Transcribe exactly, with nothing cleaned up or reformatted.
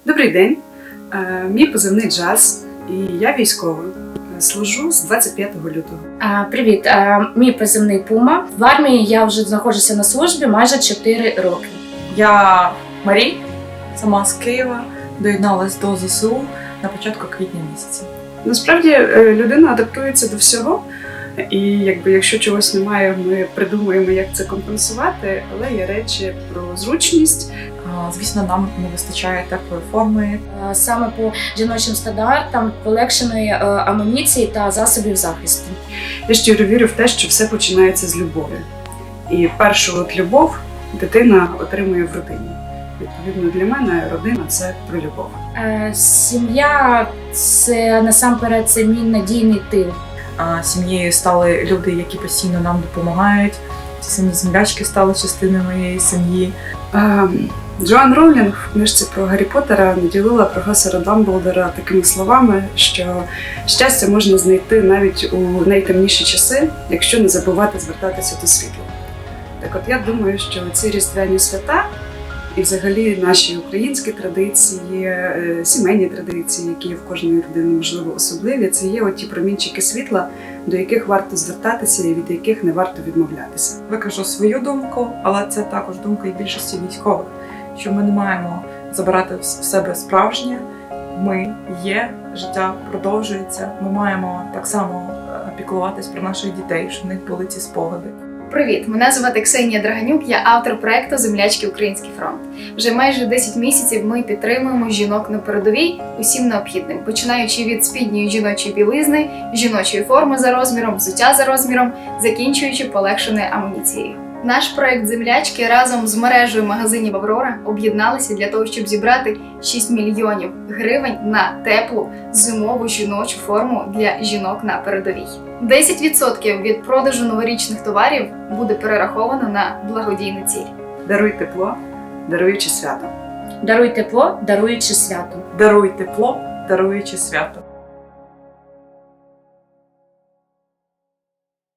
Добрий день, Е, мій позивний Джаз, і я військова. Служу з двадцять п'ятого лютого. А, Привіт, а, мій позивний Пума. В армії я вже знаходжуся на службі майже чотири роки. Я Марій, сама з Києва, доєдналась до зе се у на початку квітня місяця. Насправді е, людина адаптується до всього, і якби якщо чогось немає, ми придумуємо, як це компенсувати, але є речі про зручність. А, Звісно, нам не вистачає теплої форми. А, Саме по жіночим стандартам полегшеної е, амуніції та засобів захисту. Я щиро вірю в те, що все починається з любові. І першу от любов дитина отримує в родині. Відповідно, для мене родина – це про любов. Е, Сім'я – це насамперед це мій надійний тил. А Сім'єю стали люди, які постійно нам допомагають. Ці самі землячки стали частиною моєї сім'ї. Ем, Джоан Роулінг в книжці про Гаррі Поттера наділила професора Дамблдора такими словами, що щастя можна знайти навіть у найтемніші часи, якщо не забувати звертатися до світла. Так от я думаю, що ці різдвяні свята і взагалі наші українські традиції, е, сімейні традиції, які є в кожної людини, можливо, особливі, це є оті промінчики світла, до яких варто звертатися і від яких не варто відмовлятися. Викажу свою думку, але це також думка і більшості військових, що ми не маємо забирати в себе справжнє. Ми є, життя продовжується, ми маємо так само піклуватись про наших дітей, щоб в них були ці спогади. Привіт! Мене звати Ксенія Драганюк, я автор проекту «Землячки. Український фронт». Вже майже десять місяців ми підтримуємо жінок на передовій усім необхідним, починаючи від спідньої жіночої білизни, жіночої форми за розміром, взуття за розміром, закінчуючи полегшеною амуніцією. Наш проект «Землячки» разом з мережею магазинів «Аврора» об'єдналися для того, щоб зібрати шість мільйонів гривень на теплу зимову жіночу форму для жінок на передовій. десять відсотків від продажу новорічних товарів буде перераховано на благодійну ціль. Даруй тепло, даруючи свято. Даруй тепло, даруючи свято. Даруй тепло, даруючи свято.